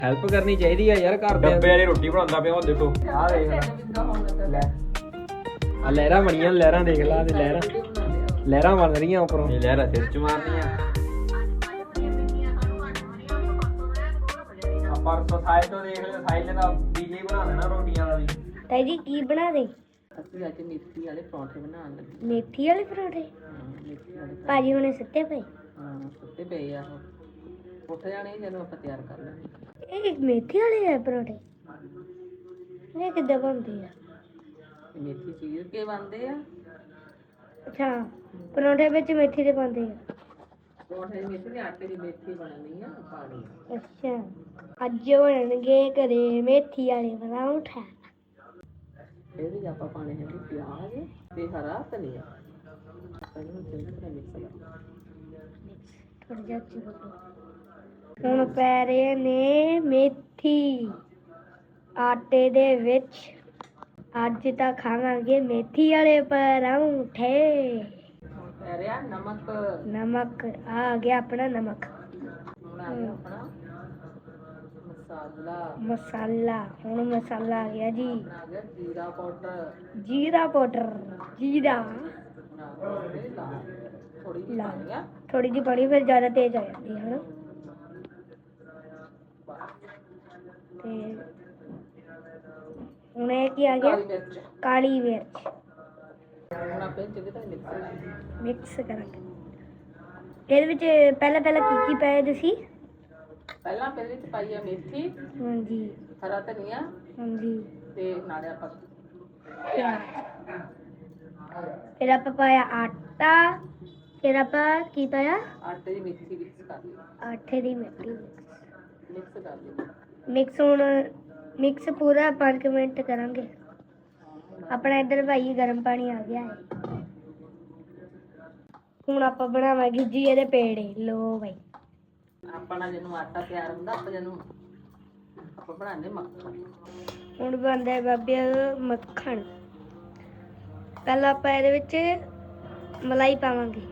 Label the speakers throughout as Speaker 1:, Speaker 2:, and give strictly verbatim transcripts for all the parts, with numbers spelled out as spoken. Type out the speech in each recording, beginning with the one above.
Speaker 1: Help ਕਰਨੀ ਚਾਹੀਦੀ ਆ ਯਾਰ ਘਰ ਦੇ
Speaker 2: ਡੱਬੇ ਵਾਲੀ ਰੋਟੀ ਬਣਾਉਂਦਾ ਪਿਆ ਉਹ ਦੇਖੋ ਆਹ ਦੇਖ ਲੈ
Speaker 1: ਆ ਲਹਿਰਾਂ ਬਣੀਆਂ ਲਹਿਰਾਂ ਦੇਖ ਲਾ ਤੇ ਲਹਿਰਾਂ ਲਹਿਰਾਂ ਬਣ ਰਹੀਆਂ ਉੱਪਰੋਂ
Speaker 2: ਇਹ ਲਹਿਰਾ ਸਿਰ ਚ ਮਾਰਨੀਆਂ ਆਪਾਂ ਸੋਸਾਇਟੀ ਤੋਂ ਦੇਖ ਲੈ ਸਾਈਲ ਦਾ ਡੀਜੇ ਬਣਾ ਦੇਣਾ ਰੋਟੀਆਂ ਦਾ ਵੀ
Speaker 3: ਤਾਈ ਜੀ ਕੀ ਬਣਾ ਦੇ
Speaker 4: ਅਸੀਂ ਅੱਜ ਮੇਥੀ ਵਾਲੇ ਪਰੌਂਠੇ ਬਣਾਉਣ ਲੱਗੇ
Speaker 3: ਮੇਥੀ ਵਾਲੇ ਪਰੌਂਠੇ
Speaker 4: ਹਾਂ ਮੇਥੀ ਵਾਲੇ
Speaker 3: ਭਾਜੀ ਹੁਣੇ ਸੁੱਤੇ ਪਏ
Speaker 4: ਹਾਂ ਸੁੱਤੇ ਪਏ ਆ ਉਹ ਉੱਠ ਜਾਣੇ ਜਦੋਂ ਆਪਾਂ ਤਿਆਰ ਕਰ ਲਾਂਗੇ
Speaker 3: ਇਹ ਮੇਥੀ ਵਾਲੇ ਆ ਪਰੌਂਠੇ ਇਹ ਕਿੱਦਾਂ ਬਣਦੇ ਆ
Speaker 4: ਇਹ ਮੇਥੀ ਚੀਰ ਕੇ ਬਣਦੇ ਆ
Speaker 3: ਅੱਛਾ ਪਰੌਂਠੇ ਵਿੱਚ ਮੇਥੀ ਦੇ ਪਾਉਂਦੇ ਆ
Speaker 4: ਪਰੌਂਠੇ ਦੀ ਮੇਥੀ ਦੇ ਆਟੇ ਦੀ ਮੇਥੀ ਬਣਨੀ ਆ ਪਾਣੀ
Speaker 3: ਅੱਛਾ ਅੱਜ ਬਣਨਗੇ ਘਰੇ ਮੇਥੀ ਵਾਲੇ ਪਰੌਂਠੇ
Speaker 4: ਇਹਦੇ ਵਿੱਚ ਆਪਾਂ ਪਾਣੇ ਹੈਗੇ ਪਿਆਜ਼ ਤੇ ਹਰਾ ਧਨੀਆ ਇਹਨੂੰ ਚੰਗੀ ਤਰ੍ਹਾਂ ਮਿਕਸ ਕਰ
Speaker 3: ਥੋੜਾ ਜਿਹਾ ਚਿਰ ਹੁਣ ਪੈ ਰਹੇ ਨੇ ਮੇਥੀ ਆਟੇ ਦੇ ਵਿੱਚ ਅੱਜ ਤਾਂ ਖਾਵਾਂਗੇ ਮੇਥੀ ਵਾਲੇ ਪਰੌਂਠੇ
Speaker 4: ਹੁਣ ਪੈ ਰਿਹਾ ਨਮਕ
Speaker 3: ਨਮਕ ਆ ਗਿਆ ਆਪਣਾ ਨਮਕ
Speaker 4: ਹੁਣ ਆ ਗਿਆ ਆਪਣਾ ਮਸਾਲਾ
Speaker 3: ਮਸਾਲਾ ਹੁਣ ਮਸਾਲਾ ਆ ਗਿਆ ਜੀ
Speaker 4: ਆਪਣਾ ਆ ਗਿਆ ਜੀਰਾ ਪਾਊਡਰ
Speaker 3: ਜੀਰਾ ਪਾਊਡਰ ਜੀਰਾ
Speaker 4: ਹੁਣ ਆ ਗਿਆ ਥੋੜੀ ਜਿਹੀ
Speaker 3: ਲਾਲ।
Speaker 4: ਪਾਣੀ ਆ
Speaker 3: ਥੋੜੀ ਜਿਹੀ ਪਾਣੀ ਫਿਰ ਜ਼ਿਆਦਾ ਤੇਜ਼ ਆ ਜਾਂਦੀ ਹੈ ਨਾ ਤੇ ਹੁਣ ਇਹ ਕੀ ਆ ਗਿਆ
Speaker 4: ਕਾਲੀ ਮਿਰਚ
Speaker 3: ਕਾਲੀ ਮਿਰਚ
Speaker 4: ਹੁਣ ਆਪਾਂ ਚੰਗੀ ਤਰ੍ਹਾਂ ਮਿਕਸ ਕਰਾਂਗੇ
Speaker 3: ਮਿਕਸ ਕਰਾਂਗੇ ਇਹਦੇ ਵਿੱਚ ਪਹਿਲਾਂ ਪਹਿਲਾਂ ਕੀ ਕੀ ਪਾਇਆ ਤੁਸੀਂ
Speaker 4: ਪਹਿਲਾਂ ਪਹਿਲੇ ਚ ਪਾਈ ਆ ਮੇਥੀ
Speaker 3: ਹਾਂਜੀ
Speaker 4: ਹਰਾ ਧਨੀਆ
Speaker 3: ਹਾਂਜੀ
Speaker 4: ਤੇ ਨਾਲੇ ਆਪਾਂ
Speaker 3: ਫਿਰ ਆਪਾਂ ਪਾਇਆ ਆਟਾ ਫਿਰ ਆਪਾਂ ਕੀ ਪਾਇਆ
Speaker 4: ਆਟੇ ਦੀ ਮੇਥੀ ਮਿਕਸ ਕਰ ਲਈ
Speaker 3: ਆਟੇ ਦੀ ਮਿੱਟੀ
Speaker 4: ਮਿਕਸ ਕਰ ਲਈ
Speaker 3: ਮਿਕਸ ਹੁਣ ਮਿਕਸ ਪੂਰਾ ਪੰਜ ਮਿੰਟ ਕਰਾਂਗੇ ਆਪਣਾ ਇੱਧਰ ਭਾਈ ਗਰਮ ਪਾਣੀ ਆ ਗਿਆ ਹੈ ਹੁਣ ਆਪਾਂ ਬਣਾਵਾਂਗੇ ਜੀ ਇਹਦੇ ਪੇੜੇ ਲੋ ਭਾਈ
Speaker 4: ਆਪਣਾ ਜਿਹਨੂੰ ਆਟਾ ਤਿਆਰ ਹੁੰਦਾ ਆਪਾਂ ਜਿਹਨੂੰ ਆਪਾਂ ਬਣਾਉਂਦੇ ਮੱਖਣ
Speaker 3: ਹੁਣ ਬਣਦਾ ਹੈ ਬਾਬੇ ਮੱਖਣ ਪਹਿਲਾਂ ਆਪਾਂ ਇਹਦੇ ਵਿੱਚ ਮਲਾਈ ਪਾਵਾਂਗੇ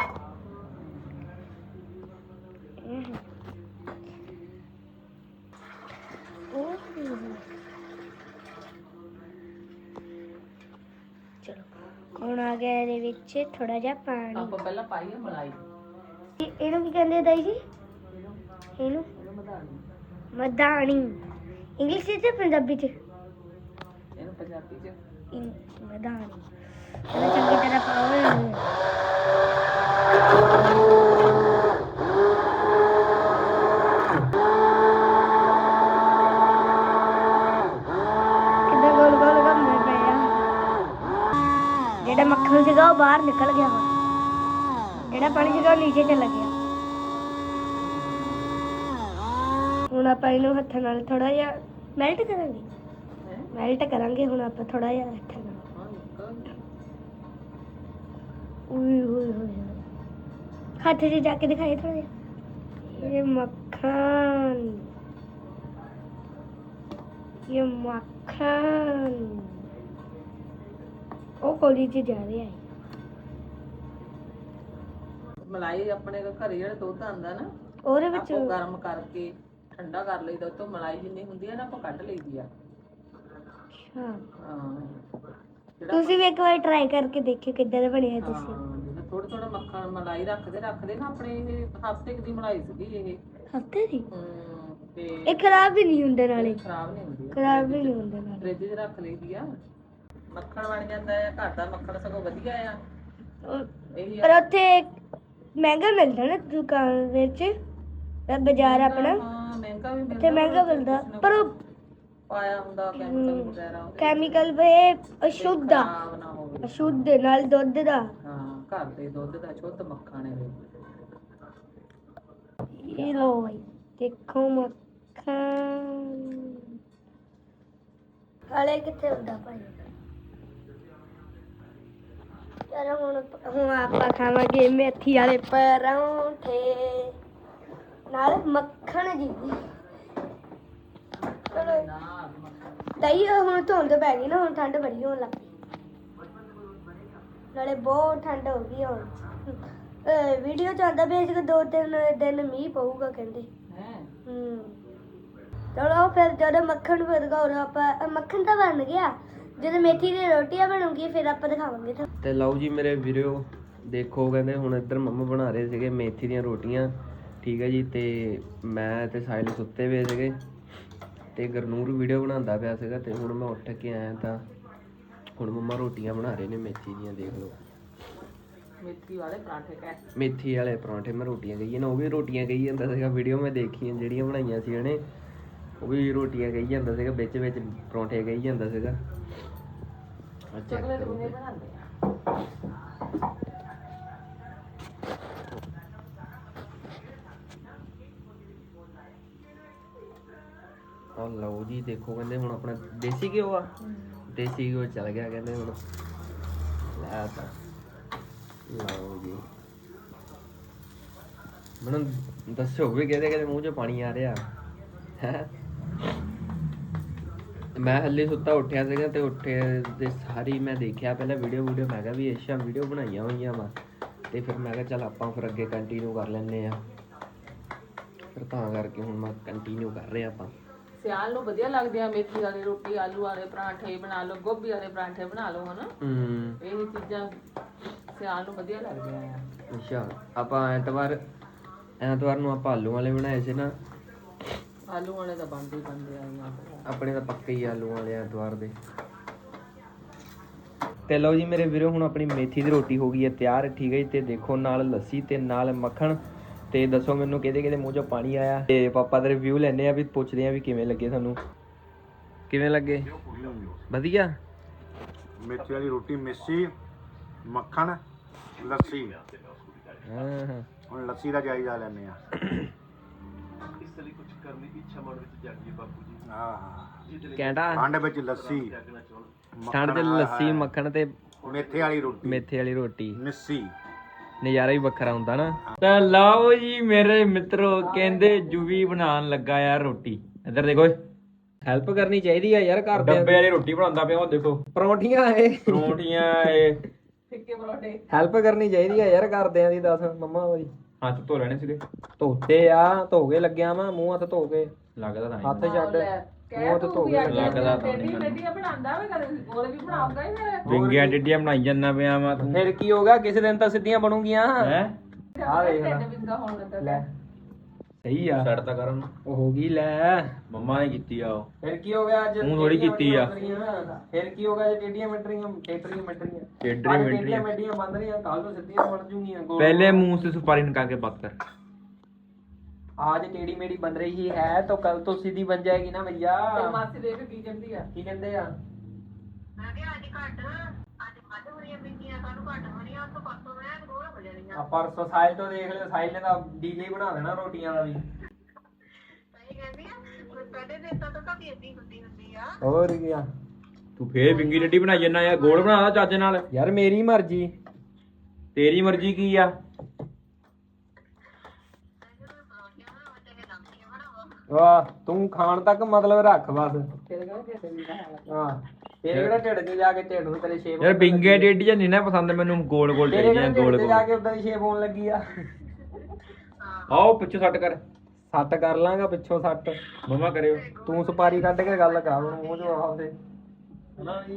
Speaker 3: ਚਲੋ ਹੁਣ ਆ ਗਿਆ ਇਹਦੇ ਵਿੱਚ ਥੋੜਾ ਜਿਹਾ ਪਾਣੀ
Speaker 4: ਆਪਾਂ ਪਹਿਲਾਂ ਪਾਈਏ ਮਲਾਈ
Speaker 3: ਇਹ- ਇਹਨੂੰ ਕੀ ਕਹਿੰਦੇ ਆ ਦਾਈ ਜੀ ਇਹਨੂੰ
Speaker 4: ਇਹਨੂੰ ਮਧਾਣੀ
Speaker 3: ਮਧਾਣੀ ਇੰਗਲਿਸ਼ ਵਿੱਚ ਜਾਂ ਪੰਜਾਬੀ ਚ
Speaker 4: ਇਹਨੂੰ ਪੰਜਾਬੀ ਚ
Speaker 3: ਇੰ- ਮਧਾਣੀ ਇਹਨੂੰ ਚੰਗੀ ਤਰ੍ਹਾਂ ਪਾਓ ਇਹਨੂੰ। ਕਿੱਦਾਂ ਗੋਲ ਗੋਲ ਘੁੰਮਦੇ ਪਏ ਆ ਜਿਹੜਾ ਮੱਖਣ ਸੀਗਾ ਉਹ ਬਾਹਰ ਨਿਕਲ ਗਿਆ ਵਾ ਜਿਹੜਾ ਪਾਣੀ ਸੀਗਾ ਉਹ ਨੀਚੇ ਚਲਾ ਗਿਆ ਹੁਣ ਆਪਾਂ ਇਹਨੂੰ ਹੱਥਾਂ ਨਾਲ ਥੋੜਾ ਜਿਹਾ ਮੈਲਟ ਕਰਾਂਗੇ
Speaker 4: ਹੈ
Speaker 3: ਮੈਲਟ ਕਰਾਂਗੇ ਹੁਣ ਆਪਾਂ ਥੋੜਾ ਜਿਹਾ ਹੱਥਾਂ ਨਾਲ
Speaker 4: ਹਾਂ ਨਿਕਲ
Speaker 3: ਉਈ ਹੋਏ ਹੋਏ ਹੱਥ 'ਚ ਜਾ ਕੇ ਦਿਖਾਈ ਥੋੜਾ ਜਿਹਾ ਇਹ ਮੱਖਣ ਇਹ ਮੱਖਣ ਉਹ ਕੋਲੀ 'ਚ ਜਾ ਰਿਹਾ ਹੈ
Speaker 4: ਮਲਾਈ ਆਪਣੇ ਘਰੇ ਜਿਹੜਾ ਦੁੱਧ ਆਂਦਾ ਨਾ
Speaker 3: ਉਹਦੇ ਵਿੱਚ
Speaker 4: ਆਪਾਂ ਗਰਮ ਕਰਕੇ ਠੰਡਾ ਕਰ ਲਈਦਾ ਉਹ ਤੋਂ ਮਲਾਈ ਜਿੰਨੀ ਹੁੰਦੀ ਹੈ ਨਾ ਆਪਾਂ ਕੱਢ ਲਈਦੀ ਆ
Speaker 3: ਅੱਛਾ
Speaker 4: ਹਾਂ ਜਿਹੜਾ
Speaker 3: ਤੁਸੀਂ ਵੀ ਇੱਕ ਵਾਰ ਟਰਾਈ ਕਰਕੇ ਦੇਖਿਓ ਕਿੱਦਾਂ ਦਾ ਬਣਿਆ ਤੁਸੀਂ
Speaker 4: ਥੋੜਾ ਥੋੜਾ ਮੱਖਣ ਮਲਾਈ ਰੱਖਦੇ ਰੱਖਦੇ ਨਾ ਆਪਣੇ ਇਹ ਹਫ਼ਤੇ ਕੁ ਦੀ ਮਲਾਈ ਸੀਗੀ ਇਹ
Speaker 3: ਹਫਤੇ ਦੀ
Speaker 4: ਹਮ, ਤੇ
Speaker 3: ਇਹ ਖਰਾਬ ਵੀ ਨਹੀਂ ਹੁੰਦੇ ਨਾਲੇ
Speaker 4: ਖਰਾਬ ਨਹੀਂ ਹੁੰਦੀ
Speaker 3: ਖਰਾਬ ਵੀ ਨਹੀਂ ਹੁੰਦੇ ਨਾਲੇ
Speaker 4: ਫ੍ਰਿਜ 'ਚ ਰੱਖ ਲਈਦੀ ਆ ਮੱਖਣ ਬਣ ਜਾਂਦਾ ਆ ਘਰ ਦਾ ਮੱਖਣ ਸਗੋਂ ਵਧੀਆ ਆ
Speaker 3: ਉਹ-
Speaker 4: ਇਹੀ
Speaker 3: ਪਰ ਉੱਥੇ ਮਹਿੰਗਾ ਮਿਲਦਾ ਨਾ ਦੁਕਾਨ ਵਿੱਚ ਤਾਂ ਬਾਜ਼ਾਰ ਆਪਣਾ
Speaker 4: ਹਾਂ ਮਹਿੰਗਾ ਵੀ
Speaker 3: ਉੱਥੇ
Speaker 4: ਮਿਲਦਾ
Speaker 3: ਮਹਿੰਗਾ ਮਿਲਦਾ ਪਰ ਉਹ
Speaker 4: ਪਾਇਆ ਹੁੰਦਾ ਕੈਮੀਕਲ ਵਗੈਰਾ ਉਹਦੇ
Speaker 3: ਕੈਮੀਕਲ ਵੇ ਅਸ਼ੁੱਧ ਆ
Speaker 4: ਖਰਾਬ ਨਾ ਹੋਵੇ
Speaker 3: ਅਸ਼ੁੱਧ ਨਾਲ ਦੁੱਧ ਦਾ
Speaker 4: ਹਾਂ ਘਰ ਦੇ ਦੁੱਧ ਦਾ ਸ਼ੁੱਧ ਮੱਖਣ ਹੈ
Speaker 3: ਇਹ ਲੋ ਭਾਈ ਦੇਖੋ ਮੱਖਣ ਹਲੇ ਕਿੱਥੇ ਹੁੰਦਾ ਭਾਈ ਚਲੋ ਹੁਣ ਹੁਣ ਆਪਾਂ ਖਾਵਾਂਗੇ ਮੇਥੀ ਵਾਲੇ ਪਰੌਂਠੇ ਨਾਲ ਮੱਖਣ ਜੀ ਚਲੋ ਤਾਈ ਹੁਣ ਧੁੰਦ ਪੈ ਗਈ ਨਾ ਹੁਣ ਠੰਡ ਬੜੀ ਹੋਣ ਲੱਗ ਪਈ ਨਾਲੇ ਬਹੁਤ ਠੰਡ ਹੋ ਗਈ ਹੁਣ ਵੀਡੀਓ ਚ ਆਉਂਦਾ ਪਿਆ ਸੀ ਕਿ ਦੋ ਤਿੰਨ ਦਿਨ ਮੀਂਹ ਪਊਗਾ ਕਹਿੰਦੇ
Speaker 4: ਹੈ
Speaker 3: ਹੂੰ ਚਲੋ ਫਿਰ ਜਦੋਂ ਮੱਖਣ ਫਿਰ ਦਿਖਾਉਣਾ ਆਪਾਂ ਮੱਖਣ ਤਾਂ ਬਣ ਗਿਆ ਜਦੋਂ ਮੇਥੀ ਦੀ ਰੋਟੀਆਂ ਬਣੂਗੀ ਫਿਰ ਆਪਾਂ ਦਿਖਾਵਾਂਗੇ ਤੁਹਾਨੂੰ।
Speaker 1: ਤੇ ਲਓ ਜੀ ਮੇਰੇ ਵੀਰੋ ਦੇਖੋ ਕਹਿੰਦੇ ਹੁਣ ਇੱਧਰ ਮੰਮਾ ਬਣਾ ਰਹੇ ਸੀਗੇ ਮੇਥੀ ਦੀਆਂ ਰੋਟੀਆਂ ਠੀਕ ਹੈ ਜੀ। ਤੇ ਮੈਂ ਤੇ ਸਾਹਿਲ ਸੁੱਤੇ ਹੋਏ ਸੀਗੇ ਤੇ ਗੁਰਨੂਰ ਵੀਡੀਓ ਬਣਾਉਂਦਾ ਪਿਆ ਸੀਗਾ ਤੇ ਹੁਣ ਮੈਂ ਉੱਠ ਕੇ ਆਇਆ ਤਾਂ ਹੁਣ ਮੰਮਾ ਰੋਟੀਆਂ ਬਣਾ ਰਹੇ ਨੇ ਮੇਥੀ ਦੀਆਂ। ਦੇਖ ਲਓ
Speaker 4: ਮੇਥੀ ਵਾਲੇ ਪਰਾਂਠੇ ਕਹਿ
Speaker 1: ਮੇਥੀ ਵਾਲੇ ਪਰੌਂਠੇ ਮੈਂ ਰੋਟੀਆਂ ਕਹੀ ਨਾ ਉਹ ਵੀ ਰੋਟੀਆਂ ਕਹੀ ਜਾਂਦਾ ਸੀਗਾ। ਵੀਡੀਓ ਮੈਂ ਦੇਖੀਆਂ ਜਿਹੜੀਆਂ ਬਣਾਈਆਂ ਸੀ ਉਹਨੇ ਉਹ ਵੀ ਰੋਟੀਆਂ ਕਹੀ ਜਾਂਦਾ ਸੀਗਾ ਵਿੱਚ ਵਿੱਚ ਪਰੌਂਠੇ ਕਹੀ ਜਾਂਦਾ ਸੀਗਾ। ਅੱਛਾ
Speaker 4: ਚਕਲੇ ਬੁਨੇ ਬਣਾਉਂਦੇ ਆ।
Speaker 1: ਆ ਲਓ ਜੀ ਦੇਖੋ ਕਹਿੰਦੇ ਹੁਣ ਆਪਣਾ ਦੇਸੀ ਘਿਓ ਆ ਦੇਸੀ ਘਿਓ ਚੱਲ ਗਿਆ ਕਹਿੰਦੇ ਹੁਣ ਲੈ ਤਾਂ ਲਓ ਜੀ ਮੈਨੂੰ ਦੱਸੋ ਵੀ ਕਿਹਦੇ ਕਿਹਦੇ ਮੂੰਹ 'ਚ ਪਾਣੀ ਆ ਰਿਹਾ ਹੈ। ਮੈਂ ਹੱਲੇ ਸੁੱਤਾ ਉੱਠਿਆ ਸੀਗਾ ਤੇ ਉੱਠੇ ਤੇ ਸਾਰੀ ਮੈਂ ਦੇਖਿਆ ਪਹਿਲਾਂ ਵੀਡੀਓ ਵੀਡੀਓ ਮੈਂ ਕਿਹਾ ਵੀ ਅੱਛਾ ਵੀਡੀਓ ਬਣਾਈਆਂ ਹੋਈਆਂ ਵਾ ਤੇ ਫਿਰ ਮੈਂ ਕਿਹਾ ਚੱਲ ਆਪਾਂ ਫਿਰ ਅੱਗੇ ਕੰਟੀਨਿਊ ਕਰ ਲੈਂਦੇ ਆ ਫਿਰ ਤਾਂ ਕਰਕੇ ਹੁਣ ਮੈਂ ਕੰਟੀਨਿਊ ਕਰ ਰਿਹਾ ਆਪਾਂ।
Speaker 4: ਸਿਆਲ ਨੂੰ ਵਧੀਆ ਲੱਗਦੇ ਆ ਮੇਥੀ ਵਾਲੀ ਰੋਟੀ ਆਲੂ ਵਾਲੇ ਪਰਾਂਠੇ ਬਣਾ ਲਓ ਗੋਭੀ ਵਾਲੇ ਪਰਾਂਠੇ ਬਣਾ ਲਓ ਹਨਾ।
Speaker 1: ਹੂੰ
Speaker 4: ਇਹ ਚੀਜ਼ਾਂ ਸਿਆਲ ਨੂੰ ਵਧੀਆ ਲੱਗਦੀਆਂ ਆ।
Speaker 1: ਅੱਛਾ ਆਪਾਂ ਐਤਵਾਰ ਐਤਵਾਰ ਨੂੰ ਆਪਾਂ ਆਲੂ ਵਾਲੇ ਬਣਾਏ ਸੀ ਨਾ।
Speaker 4: ਆਲੂ ਵਾਲੇ ਤਾਂ ਬਣਦੇ ਹੀ ਬਣਦੇ ਆ
Speaker 1: ਆਪਣੇ ਤਾਂ ਪੱਕੇ ਹੀ ਆਲੂ ਵਾਲੇ ਐਤਵਾਰ ਦੇ। ਤੇ ਲਓ ਜੀ ਮੇਰੇ ਵੀਰੋ ਹੁਣ ਆਪਣੀ ਮੇਥੀ ਦੀ ਰੋਟੀ ਹੋ ਗਈ ਹੈ ਤਿਆਰ ਠੀਕ ਹੈ ਜੀ। ਤੇ ਦੇਖੋ ਨਾਲ ਲੱਸੀ ਤੇ ਨਾਲ ਮੱਖਣ ਤੇ ਦੱਸੋ ਮੈਨੂੰ ਕਿਹਦੇ ਕਿਹਦੇ ਮੂੰਹ 'ਚੋਂ ਪਾਣੀ ਆਇਆ ਤੇ ਪਾਪਾ ਦਾ ਰਿਵਿਊ ਲੈਣੇ ਆ ਵੀ ਪੁੱਛਦੇ ਆ ਵੀ ਕਿਵੇਂ ਲੱਗੇ ਤੁਹਾਨੂੰ ਕਿਵੇਂ ਲੱਗੇ ਵਧੀਆ।
Speaker 5: ਮੇਥੀ ਵਾਲੀ ਰੋਟੀ ਮਿੱਸੀ ਮੱਖਣ ਲੱਸੀ।
Speaker 1: ਹਾਂ ਹਾਂ
Speaker 5: ਹੁਣ ਲੱਸੀ ਦਾ ਜਾਇਜ਼ਾ ਲੈਣੇ ਆ।
Speaker 6: ਇਸ ਲਈ ਕੁਝ ਕਰਨ ਦੀ ਇੱਛਾ ਮਨ ਵਿੱਚ ਜਾਗੀ ਹੈ ਬਾਪੂ ਜੀ।
Speaker 5: ਹਾਂ
Speaker 1: ਕੈਂਟਾ
Speaker 5: ਠੰਡ ਵਿੱਚ ਲੱਸੀ
Speaker 1: ਠੰਡ 'ਚ ਲੱਸੀ ਮੱਖਣ ਤੇ
Speaker 5: ਮੇਥੇ ਵਾਲੀ ਰੋਟੀ
Speaker 1: ਮੇਥੇ ਵਾਲੀ ਰੋਟੀ
Speaker 5: ਮਿੱਸੀ
Speaker 1: ਨਜ਼ਾਰਾ ਹੀ ਵੱਖਰਾ ਹੁੰਦਾ ਨਾ। ਤਾਂ ਲਓ ਜੀ ਮੇਰੇ ਮਿੱਤਰੋ ਕਹਿੰਦੇ ਜੂਵੀ ਬਣਾਉਣ ਲੱਗਾ ਯਾਰ ਰੋਟੀ। ਇੱਧਰ ਦੇਖੋ ਹੈਲਪ ਕਰਨੀ ਚਾਹੀਦੀ ਆ ਯਾਰ ਘਰ ਦੇ
Speaker 2: ਡੱਬੇ ਵਾਲੀ ਰੋਟੀ ਬਣਾਉਂਦਾ ਪਿਆ ਉਹ ਦੇਖੋ
Speaker 1: ਪਰੌਂਠੀਆਂ ਇਹ
Speaker 2: ਪਰੌਂਠੀਆਂ ਇਹ
Speaker 4: ਫਿੱਕੇ ਪਰੌਂਠੇ।
Speaker 1: ਹੈਲਪ ਕਰਨੀ ਚਾਹੀਦੀ ਆ ਯਾਰ ਘਰਦਿਆਂ ਦੀ ਦੱਸ ਮੰਮਾ ਹੋਈ
Speaker 2: ਹੱਥ ਧੋ ਲੈਣੇ ਸੀਗੇ
Speaker 1: ਧੋਤੇ ਆ ਧੋ ਕੇ ਲੱਗਿਆ ਵਾ ਮੂੰਹ ਹੱਥ ਧੋ ਕੇ
Speaker 2: ਲੱਗਦਾ ਤਾਂ
Speaker 1: ਹੱਥ ਛੱਡ ਮੂੰਹ ਹੱਥ ਧੋ ਕੇ
Speaker 2: ਲੱਗਦਾ ਤਾਂ
Speaker 4: ਟੇਡੀ ਟੇਡੀਆਂ ਬਣਾਉਂਦਾ ਵੇ ਕਦੇ ਉਹਦੇ ਵੀ ਬਣਾਉਂਗਾ ਹੀ ਫਿਰ।
Speaker 2: ਵਿੰਗੀਆਂ ਡਿੱਡੀਆਂ ਬਣਾਈ ਜਾਂਦਾ ਪਿਆ ਵਾ ਤੂੰ
Speaker 1: ਫਿਰ ਕੀ ਹੋਗਾ ਕਿਸੇ ਦਿਨ ਤਾਂ ਸਿੱਧੀਆਂ ਬਣੂਗੀਆਂ
Speaker 2: ਹੈ
Speaker 1: ਆ ਦੇਖ ਲੈ
Speaker 4: ਢਿੱਡ ਵਿੰਗਾ ਹੋਣ ਲੱਗਾ
Speaker 1: ਲੈ ਸਹੀ ਆ
Speaker 2: ਛੱਡ ਤਾਂ ਕਰਨ
Speaker 1: ਉਹ ਹੋ ਗਈ ਲੈ
Speaker 2: ਮੰਮਾ ਨੇ ਕੀਤੀ ਆ ਉਹ
Speaker 1: ਫਿਰ ਕੀ ਹੋ ਗਿਆ ਅੱਜ
Speaker 2: ਤੂੰ ਥੋੜ੍ਹੀ ਕੀਤੀ ਆ।
Speaker 1: ਫਿਰ ਕੀ ਹੋ ਗਿਆ ਜੇ ਟੇਡੀਆਂ ਮਿੰਟਰੀਆਂ ਟੇਟਰੀਆਂ ਮਿੰਟਰੀਆਂ
Speaker 2: ਟੇਢੀਆਂ
Speaker 1: ਅੱਜ
Speaker 2: ਮਿੰਟਰੀਆਂ।
Speaker 1: ਟੇਡੀਆਂ ਮਿੰਟਰੀਆਂ ਬੰਦ ਰਹੀਆਂ ਕੱਲ ਤੋਂ ਸਿੱਧੀਆਂ ਬਣ ਜੂਗੀਆਂ ਗੋਲ।
Speaker 2: पहले मुंह से सुपारी निकाल के बात कर।
Speaker 1: आज टेढ़ी मेढ़ी बन रही है तो कल तो सीधी बन जाएगी ना भैया।
Speaker 4: ਤੇ ਮਾਸੀ ਦੇਖ ਕੀ ਕਹਿੰਦੀ ਆ।
Speaker 1: की कहते हैं ਆ ਪਰਸੋਂ ਸਾਇਲ ਤੋਂ ਦੇਖ ਲਿਓ ਸਾਇਲ ਨੇ ਤਾਂ ਡੀਜੇ ਬਣਾ ਦੇਣਾ ਰੋਟੀਆਂ ਦਾ ਵੀ। ਹੋਰ ਕੀ ਆ
Speaker 2: तू फिर विंगी डड्डी बनाई जाना यार गोल बना चाचे नाल
Speaker 1: ਯਾਰ ਮੇਰੀ ਮਰਜ਼ੀ
Speaker 2: तेरी मर्जी की आ।
Speaker 1: ਵਾਹ ਤੂੰ ਖਾਣ ਤੱਕ ਮਤਲਬ ਰੱਖ ਬਸ।
Speaker 4: ਫਿਰ ਕਹਿੰਦੇ ਢਿੱਡ ਵਿੰਗਾ ਹੋਣ ਲੱਗਾ।
Speaker 1: ਹਾਂ ਤੇਰੇ ਕਿਹੜਾ ਢਿੱਡ 'ਚ ਜਾ ਕੇ ਢਿੱਡ ਨੂੰ ਤੇਰੇ ਸ਼ੇਪ
Speaker 2: यार विंगे डड्डियां नहीं ना पसंद मैनू गोल गोल
Speaker 1: ਤੇਰੇ
Speaker 2: चाहिए
Speaker 1: ਕਿਹੜਾ
Speaker 2: गोल
Speaker 1: ਢਿੱਡ 'ਚ ਜਾ
Speaker 2: गोल।
Speaker 1: ਕੇ ਉਦਾਂ ਦੀ ਸ਼ੇਪ ਹੋਣ ਲੱਗੀ ਆ।
Speaker 2: आओ पिछू सट कर
Speaker 1: ਸੱਟ ਕਰ ਲਾਂਗਾ ਪਿੱਛੋਂ ਸੱਟ।
Speaker 2: मम्मा करियो।
Speaker 1: ਤੂੰ ਸੁਪਾਰੀ ਕੱਢ ਕੇ ਗੱਲ ਕਰ ਹੁਣ ਮੂੰਹ 'ਚੋਂ ਆਹ ਤੇ ਹਨਾ ਜੀ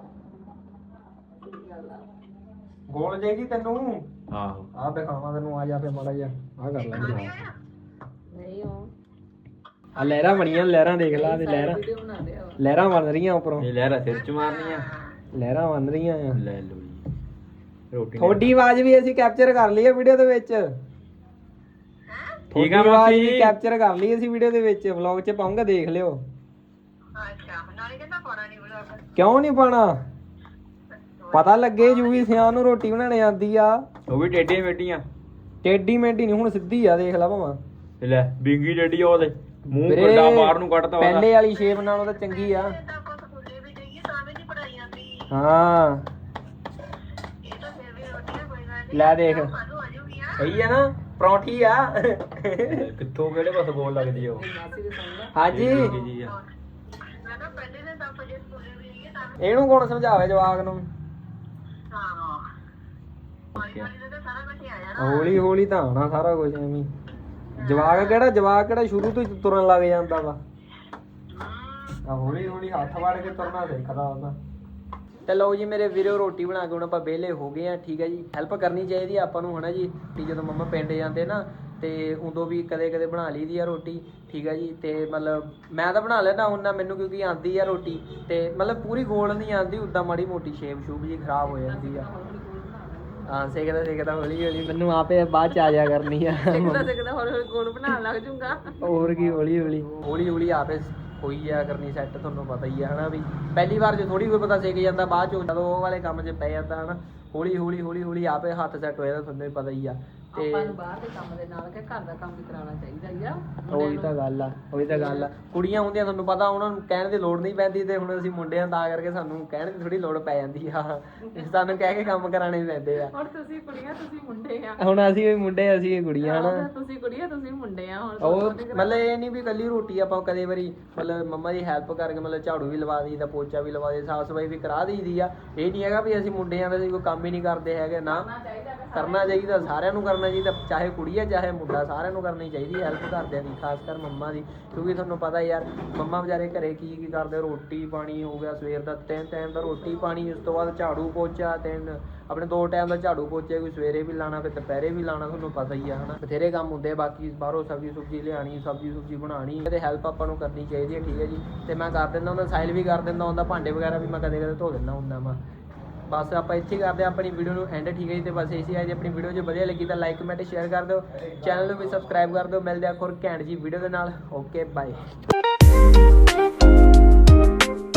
Speaker 1: ਗੋਲ ਜਾਈਦੀ ਤੈਨੂੰ
Speaker 2: आहो
Speaker 1: ਆਹ ਦਿਖਾਵਾਂ ਤੈਨੂੰ ਆ ਜਾ ਫੇ ਮਾੜਾ ਜਿਹਾ ਆਹ ਕਰ ਲੈ
Speaker 4: ਨਹੀਂ ਉਹ
Speaker 1: ਆ ਲਹਿਰਾਂ ਬਣੀਆਂ ਲਹਿਰਾਂ ਦੇਖ ਲਾ ਤੇ ਲਹਿਰਾਂ
Speaker 4: ਵੀਡੀਓ ਬਣਾਉਂਦੇ ਆ।
Speaker 1: ਲਹਿਰਾਂ ਬਣ ਰਹੀਆਂ ਉੱਪਰੋਂ
Speaker 2: ये लहरा सिर च मारनी है।
Speaker 1: ਲਹਿਰਾਂ ਬਣ ਰਹੀਆਂ ਆ।
Speaker 2: ले लो जी रोटी
Speaker 1: ਤੁਹਾਡੀ ਆਵਾਜ਼ ਵੀ ਅਸੀਂ ਕੈਪਚਰ ਕਰ ਲਈ ਹੈ ਵੀਡੀਓ ਦੇ ਵਿੱਚ।
Speaker 2: ਠੀਕ ਆ
Speaker 1: ਤੁਹਾਡੀ ਆਵਾਜ਼
Speaker 2: ਮਾਸੀ।
Speaker 1: ਵੀ ਕੈਪਚਰ ਕਰ ਲਈ ਅਸੀਂ ਵੀਡੀਓ ਦੇ ਵਿੱਚ ਵਲੌਗ 'ਚ ਪਾਉਂਗਾ ਦੇਖ ਲਿਓ। ਕਿਉਂ ਨਹੀਂ ਪਾਣਾ ਪਤਾ ਲੱਗੇ ਜੂਵੀ ਸਿਆਣ ਨੂੰ ਰੋਟੀ ਬਣਾਉਣੇ ਆਂਦੀ ਆ।
Speaker 2: वो भी टेढ़ियां मेढ़ियां
Speaker 1: ਟੇਡੀ ਮੇਡੀ ਨਹੀਂ ਹੁਣ ਸਿੱਧੀ ਆ ਦੇਖ ਲੈ ਭਾਵਾਂ।
Speaker 2: ले विंगी डड्डी ओदे मुंह
Speaker 1: ਵੀਰੇ,
Speaker 2: गड्डा बाहर नु कटदा ओदा।
Speaker 1: ਪਹਿਲੇ ਵਾਲੀ ਸ਼ੇਪ ਨਾਲੋਂ ਤਾਂ ਚੰਗੀ ਆ। ਹਾਂ ਲੈ ਦੇਖ ਸਹੀ ਆ ਨਾ ਪਰੌਂਠੀ ਆ।
Speaker 2: कित्थों केड़े पासे गोल लगदी है वो
Speaker 4: ਮਾਸੀ ਦੇ ਸੰਗ
Speaker 1: ਹਾਂਜੀ
Speaker 2: निक्की जी आ।
Speaker 1: ਇਹਨੂੰ ਕੌਣ ਸਮਝਾਵੇ ਜਵਾਕ ਨੂੰ। ਹੌਲੀ ਹੌਲੀ ਤਾਂ ਆਉਣਾ ਸਾਰਾ ਕੁਝ ਐਵੇਂ। ਜਵਾਕ ਕਿਹੜਾ ਜਵਾਕ ਕਿਹੜਾ ਸ਼ੁਰੂ ਤੋਂ ਹੀ ਤੁਰਨ ਲੱਗ ਜਾਂਦਾ ਵਾ।
Speaker 2: ਆ ਹੌਲੀ ਹੌਲੀ ਹੱਥ ਵੜ ਕੇ ਤੁਰਨਾ ਸਿੱਖਦਾ ਉਹਦਾ।
Speaker 1: ਤੇ ਲਓ ਜੀ ਮੇਰੇ ਵੀਰੋ, ਰੋਟੀ ਬਣਾ ਕੇ ਹੁਣ ਆਪਾਂ ਵਿਹਲੇ ਹੋ ਗਏ ਆ। ਠੀਕ ਹੈ ਜੀ, ਹੈਲਪ ਕਰਨੀ ਚਾਹੀਦੀ ਆ ਆਪਾਂ ਨੂੰ ਹਨਾ ਜੀ। ਕਿ ਜਦੋਂ ਮੰਮਾ ਪਿੰਡ ਜਾਂਦੇ ਨਾ ਤੇ ਉਦੋਂ ਵੀ ਕਦੇ ਕਦੇ ਬਣਾ ਲਈਦੀ ਆ ਰੋਟੀ। ਠੀਕ ਹੈ ਜੀ, ਤੇ ਮਤਲਬ ਮੈਂ ਤਾਂ ਬਣਾ ਲੈਣਾ ਹੁੰਦਾ ਮੈਨੂੰ, ਕਿਉਂਕਿ ਆਂਦੀ ਆ ਰੋਟੀ। ਤੇ ਮਤਲਬ ਪੂਰੀ ਗੋਲ ਨਹੀਂ ਆਂਦੀ, ਉੱਦਾਂ ਮਾੜੀ ਮੋਟੀ ਸ਼ੇਪ ਸ਼ੂਪ ਜੀ ਖਰਾਬ ਹੋ ਜਾਂਦੀ ਆ। ਹਾਂ ਸਿੱਖਦਾ ਸਿੱਖਦਾ ਹੌਲੀ ਹੌਲੀ, ਮੈਨੂੰ ਆਪੇ ਬਾਅਦ ਚ ਆ ਜਾ ਕਰਨੀ ਆ।
Speaker 4: ਸਿੱਖਦਾ ਸਿੱਖਦਾ ਹੌਲੀ ਹੌਲੀ ਗੋਲ ਬਣਾਉਣ ਲੱਗ ਜੂਗਾ।
Speaker 1: ਹੋਰ ਕੀ, ਹੌਲੀ ਹੌਲੀ ਹੌਲੀ ਹੌਲੀ ਆਪੇ ਹੋਈ ਆ ਕਰਨੀ ਸੈੱਟ। ਤੁਹਾਨੂੰ ਪਤਾ ਹੀ ਆ ਹਨਾ ਵੀ ਪਹਿਲੀ ਵਾਰ 'ਚ ਥੋੜੀ ਕੋਈ ਪਤਾ ਸਿੱਖ ਜਾਂਦਾ, ਬਾਅਦ 'ਚ ਜਦੋਂ ਉਹ ਵਾਲੇ ਕੰਮ 'ਚ ਪੈ ਜਾਂਦਾ ਹਨਾ ਹੌਲੀ ਹੌਲੀ ਹੌਲੀ ਹੌਲੀ ਆਪੇ ਹੱਥ ਸੈੱਟ ਹੋ ਜਾਂਦਾ। ਤੁਹਾਨੂੰ ਪਤਾ ਹੀ ਆ। ਤੇ
Speaker 4: ਆਪਾਂ ਨੂੰ ਬਾਹਰ ਦੇ ਕੰਮ ਦੇ ਨਾਲ ਕਿ ਘਰ ਦਾ ਕੰਮ ਵੀ ਕਰਾਉਣਾ ਚਾਹੀਦਾ ਹੀ ਆ।
Speaker 1: ਉਹੀ ਤਾਂ ਗੱਲ ਆ, ਉਹੀ ਤਾਂ ਗੱਲ ਆ। ਕੁੜੀਆਂ ਹੁੰਦੀਆਂ ਤੁਹਾਨੂੰ ਪਤਾ, ਉਹਨਾਂ ਨੂੰ ਕਹਿਣ ਦੀ ਲੋੜ ਨਹੀਂ ਪੈਂਦੀ, ਤੇ ਹੁਣ ਅਸੀਂ ਮੁੰਡਿਆਂ ਤਾਂ ਕਰਕੇ ਸਾਨੂੰ ਕਹਿਣ ਦੀ ਥੋੜੀ ਲੋੜ ਪੈ ਜਾਂਦੀ ਆ। ਸਾਨੂੰ ਕਹਿ ਕੇ ਕੰਮ ਕਰਾਣੇ ਪੈਂਦੇ ਆ।
Speaker 4: ਹੁਣ ਤੁਸੀਂ ਕੁੜੀਆਂ ਤੁਸੀਂ ਮੁੰਡੇ ਆ।
Speaker 1: ਹੁਣ ਅਸੀਂ ਵੀ ਮੁੰਡੇ, ਅਸੀਂ ਵੀ ਕੁੜੀਆਂ ਹਨਾ।
Speaker 4: ਤੁਸੀਂ ਕੁੜੀਆਂ ਤੁਸੀਂ ਮੁੰਡੇ ਆ। ਹੁਣ
Speaker 1: ਉਹ ਮਤਲਬ ਇਹ ਨਹੀਂ ਵੀ ਕੱਲੀ ਰੋਟੀ ਆਪਾਂ ਕਦੇ ਵਾਰੀ ਮਤਲਬ ਮੰਮਾ ਦੀ ਹੈਲਪ ਕਰਕੇ ਮਤਲਬ ਝਾੜੂ ਵੀ ਲਵਾ ਦਈਦਾ, ਪੋਚਾ ਵੀ ਲਵਾ ਦਈਦਾ, ਸਾਫ ਸਫਾਈ ਵੀ ਕਰਾ ਦਈਦੀ ਆ। ਇਹ ਨਹੀਂ ਹੈਗਾ ਵੀ ਅਸੀਂ ਮੁੰਡਿਆਂ ਦਾ ਅਸੀਂ ਕੋਈ ਕੰਮ ਹੀ ਨਹੀਂ ਕਰਦੇ ਹੈਗੇ ਨਾ। ਕਰਨਾ ਚਾਹੀਦਾ, ਸਾਰਿਆਂ ਨੂੰ ਕਰਨਾ ਚਾਹੀਦਾ, ਚਾਹੇ ਕੁੜੀ ਆ ਚਾਹੇ ਮੁੰਡਾ, ਸਾਰਿਆਂ ਨੂੰ ਕਰਨੀ ਚਾਹੀਦੀ ਹੈਲਪ ਘਰਦਿਆਂ ਦੀ, ਖਾਸ ਕਰ ਮੰਮਾ ਦੀ। ਕਿਉਂਕਿ ਤੁਹਾਨੂੰ ਪਤਾ ਯਾਰ ਮੰਮਾ ਵਿਚਾਰੇ ਘਰੇ ਕੀ ਕੀ ਕਰਦੇ, ਰੋਟੀ ਪਾਣੀ ਹੋ ਗਿਆ ਸਵੇਰ ਦਾ, ਤਿੰਨ ਟਾਈਮ ਦਾ ਰੋਟੀ ਪਾਣੀ, ਉਸ ਤੋਂ ਬਾਅਦ ਝਾੜੂ ਪੋਚਾ, ਤਿੰਨ ਆਪਣੇ ਦੋ ਟਾਈਮ ਦਾ ਝਾੜੂ ਪੋਚੇ, ਕੋਈ ਸਵੇਰੇ ਵੀ ਲਾਣਾ ਫਿਰ ਦੁਪਹਿਰੇ ਵੀ ਲਾਣਾ। ਤੁਹਾਨੂੰ ਪਤਾ ਹੀ ਆ ਹਨਾ, ਬਥੇਰੇ ਕੰਮ ਹੁੰਦੇ। ਬਾਕੀ ਬਾਹਰੋਂ ਸਬਜ਼ੀ ਸੁਬਜ਼ੀ ਲਿਆਣੀ, ਸਬਜ਼ੀ ਸੁਬਜ਼ੀ ਬਣਾਉਣੀ, ਤੇ ਹੈਲਪ ਆਪਾਂ ਨੂੰ ਕਰਨੀ ਚਾਹੀਦੀ ਹੈ। ਠੀਕ ਹੈ ਜੀ, ਤੇ ਮੈਂ ਕਰ ਦਿੰਦਾ ਹੁੰਦਾ, ਸਾਈਲ ਵੀ ਕਰ ਦਿੰਦਾ ਹੁੰਦਾ, ਭਾਂਡੇ ਵਗੈਰਾ ਵੀ ਮੈਂ ਕਦੇ ਕਦੇ ਧੋ ਦਿੰਦਾ ਹੁੰਦਾ ਵਾ। ਬਸ ਆਪਾਂ ਇੱਥੇ ਕਰਦੇ ਹਾਂ ਆਪਣੀ ਵੀਡੀਓ ਨੂੰ ਐਂਡ। ਠੀਕ ਹੈ ਜੀ, ਤੇ ਬਸ ਇਸੇ ਅੱਜ ਆਪਣੀ ਵੀਡੀਓ ਜੇ ਵਧੀਆ ਲੱਗੀ ਤਾਂ ਲਾਈਕ ਕਮੈਂਟ ਸ਼ੇਅਰ ਕਰ ਦਿਓ, ਚੈਨਲ ਨੂੰ ਵੀ ਸਬਸਕ੍ਰਾਈਬ ਕਰ ਦਿਓ। ਮਿਲਦੇ ਆ ਹੋਰ ਘੈਂਟ ਜੀ ਵੀਡੀਓ ਦੇ ਨਾਲ। Okay bye.